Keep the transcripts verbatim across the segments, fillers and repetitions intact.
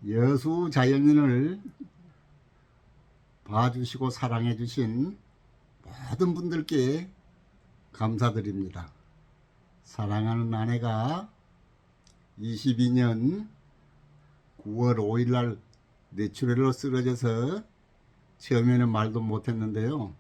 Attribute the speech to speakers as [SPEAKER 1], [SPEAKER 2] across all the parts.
[SPEAKER 1] 여수 자연인을 봐주시고 사랑해 주신 모든 분들께 감사드립니다. 사랑하는 아내가 이십이 년 구월 오일 날 뇌출혈로 쓰러져서 처음에는 말도 못했는데요.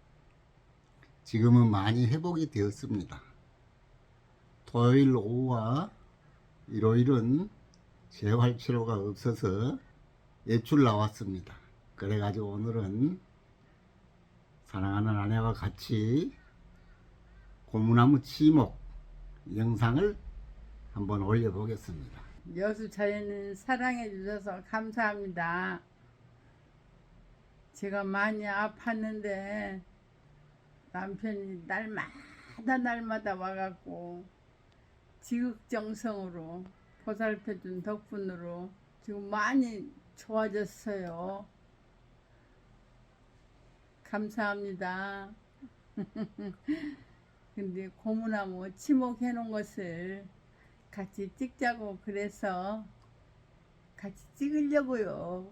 [SPEAKER 1] 지금은 많이 회복이 되었습니다. 토요일 오후와 일요일은 재활치료가 없어서 외출 나왔습니다. 그래가지고 오늘은 사랑하는 아내와 같이 고무나무 치목 영상을 한번 올려보겠습니다.
[SPEAKER 2] 여수 자연인 사랑해 주셔서 감사합니다. 제가 많이 아팠는데 남편이 날마다 날마다 와갖고 지극정성으로 보살펴준 덕분으로 지금 많이 좋아졌어요. 감사합니다. 근데 고무나무 치목해 놓은 것을 같이 찍자고 그래서 같이 찍으려고요.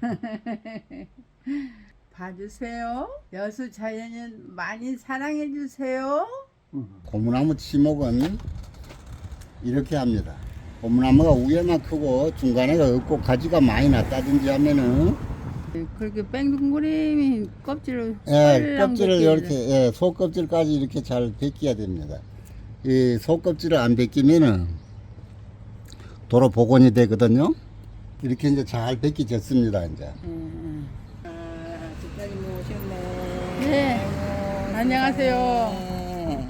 [SPEAKER 2] 봐주세요. 여수 자연인 많이 사랑해 주세요.
[SPEAKER 1] 고무나무 치목은 이렇게 합니다. 고무나무가 위에만 크고 중간에가 없고 가지가 많이 났다든지 하면은
[SPEAKER 2] 그렇게 뺑둥그림이 껍질을
[SPEAKER 1] 예,
[SPEAKER 2] 썰랑
[SPEAKER 1] 껍질을
[SPEAKER 2] 벗겨야
[SPEAKER 1] 이렇게 예, 속껍질까지 이렇게 잘 벗겨야 됩니다. 이 속껍질을 안 벗기면은 도로 복원이 되거든요. 이렇게 이제 잘 벗겨졌습니다. 이제.
[SPEAKER 2] 음.
[SPEAKER 3] 아, 집사님 오셨네.
[SPEAKER 2] 네.
[SPEAKER 3] 아이고,
[SPEAKER 2] 안녕하세요.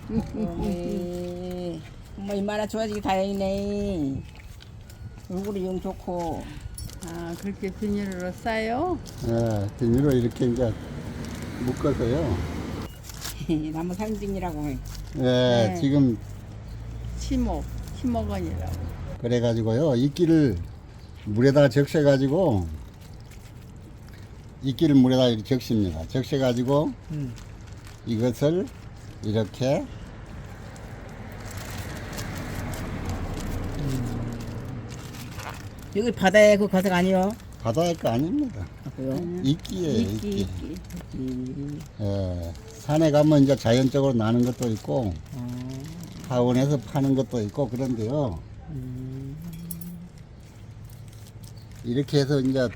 [SPEAKER 3] 세상에. 엄마 얼마나 좋아지기 다행이네. 얼굴이 영 좋고.
[SPEAKER 2] 아, 그렇게 비닐로 싸요?
[SPEAKER 1] 예, 비닐로 이렇게 이제 묶어서요.
[SPEAKER 3] 나무 상징이라고.
[SPEAKER 1] 예,
[SPEAKER 2] 네.
[SPEAKER 1] 지금
[SPEAKER 2] 치목, 치목원이라고.
[SPEAKER 1] 그래가지고요, 이끼를 물에다 적셔가지고 이끼를 물에다 이렇게 적십니다. 적셔가지고
[SPEAKER 3] 음.
[SPEAKER 1] 이것을 이렇게
[SPEAKER 3] 여기 바다에 그 가석 아니요?
[SPEAKER 1] 바다의 거 아닙니다.
[SPEAKER 3] 아, 그요?
[SPEAKER 1] 이끼예요,
[SPEAKER 2] 이끼,
[SPEAKER 1] 이끼.
[SPEAKER 2] 이끼.
[SPEAKER 3] 음.
[SPEAKER 1] 예, 산에 가면 이제 자연적으로 나는 것도 있고
[SPEAKER 3] 어.
[SPEAKER 1] 하원에서 파는 것도 있고 그런데요.
[SPEAKER 3] 음.
[SPEAKER 1] 이렇게 해서 이제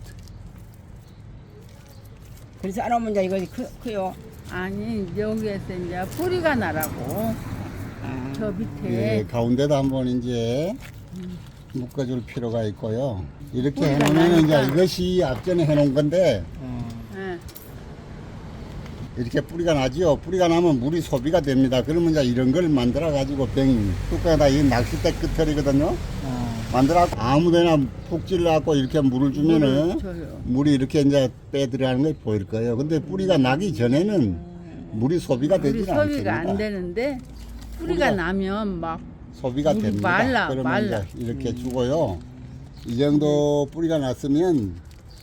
[SPEAKER 3] 그래서 안 오면 이제 이거 크, 크요?
[SPEAKER 2] 아니, 여기에서 이제 뿌리가 나라고.
[SPEAKER 3] 아.
[SPEAKER 2] 저
[SPEAKER 1] 예,
[SPEAKER 2] 밑에.
[SPEAKER 1] 가운데도 한번 이제 묶어줄 필요가 있고요. 이렇게
[SPEAKER 2] 뿌리가
[SPEAKER 1] 해놓으면 이제
[SPEAKER 2] 나니까.
[SPEAKER 1] 이것이 앞전에 해놓은 건데
[SPEAKER 3] 어.
[SPEAKER 2] 예.
[SPEAKER 1] 이렇게 뿌리가 나지요. 뿌리가 나면 물이 소비가 됩니다. 그러면 이제 이런 걸 만들어 가지고 병 뚜껑에다 이 낚싯대 끝털이거든요.
[SPEAKER 3] 어.
[SPEAKER 1] 만들어 아무데나 푹 찔러갖고 이렇게 물을 주면은
[SPEAKER 2] 물을 줘요.
[SPEAKER 1] 물이 이렇게 이제 빼들어가는 게 보일 거예요. 근데 뿌리가 나기 전에는 물이 소비가
[SPEAKER 2] 물이
[SPEAKER 1] 되지 않습니다.
[SPEAKER 2] 소비가 안 되는데 뿌리가
[SPEAKER 1] 뿌리가-
[SPEAKER 2] 나면 막
[SPEAKER 1] 소비가
[SPEAKER 2] 물이
[SPEAKER 1] 됩니다.
[SPEAKER 2] 말라,
[SPEAKER 1] 그러면
[SPEAKER 2] 말라.
[SPEAKER 1] 이제 이렇게 주고요. 이 정도 뿌리가 났으면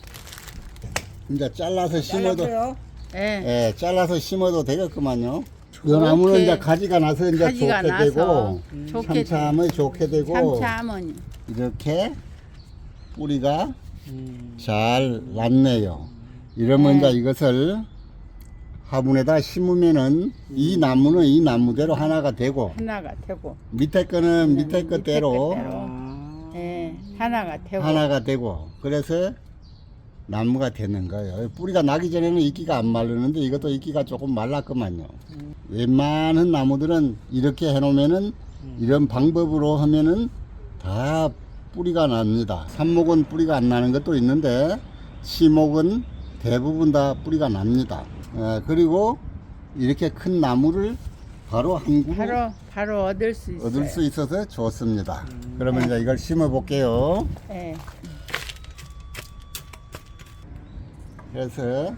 [SPEAKER 1] 이제 잘라서 심어도
[SPEAKER 3] 잘랐어요?
[SPEAKER 2] 예.
[SPEAKER 1] 예, 잘라서 심어도 되겠구만요. 이 나무는 이제 가지가 나서 이제
[SPEAKER 2] 가지가
[SPEAKER 1] 좋게
[SPEAKER 2] 나서
[SPEAKER 1] 되고
[SPEAKER 2] 좋게
[SPEAKER 1] 참참이 좋게 되고
[SPEAKER 2] 참참은
[SPEAKER 1] 이렇게 뿌리가
[SPEAKER 3] 음.
[SPEAKER 1] 잘 났네요. 이러면
[SPEAKER 2] 네.
[SPEAKER 1] 이제 이것을 화분에다 심으면은 이 나무는 이 나무대로 하나가 되고
[SPEAKER 2] 하나가 되고
[SPEAKER 1] 밑에 거는
[SPEAKER 2] 네,
[SPEAKER 1] 밑에
[SPEAKER 2] 밑에
[SPEAKER 1] 것대로
[SPEAKER 2] 것대로.
[SPEAKER 3] 아.
[SPEAKER 2] 예, 하나가 되고
[SPEAKER 1] 하나가 되고 그래서 나무가 되는 거예요. 뿌리가 나기 전에는 이끼가 안 마르는데 이것도 이끼가 조금 말랐구만요.
[SPEAKER 3] 음.
[SPEAKER 1] 웬만한 나무들은 이렇게 해놓으면은 이런 방법으로 하면은 다 뿌리가 납니다. 삽목은 뿌리가 안 나는 것도 있는데 치목은 대부분 다 뿌리가 납니다. 예, 그리고 이렇게 큰 나무를 바로 한 그루
[SPEAKER 2] 바로 바로 얻을 수 있어요.
[SPEAKER 1] 얻을 수 있어서 좋습니다. 그러면 이제 이걸 심어 볼게요.
[SPEAKER 2] 예.
[SPEAKER 1] 그래서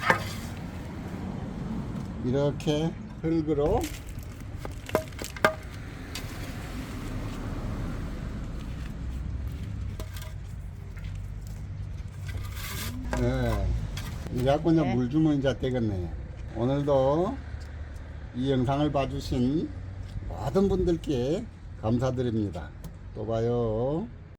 [SPEAKER 1] 이렇게 흙으로 네. 이제 자꾸 이제
[SPEAKER 2] 네.
[SPEAKER 1] 물 주면 이제 되겠네요. 오늘도 이 영상을 봐주신 모든 분들께 감사드립니다. 또 봐요.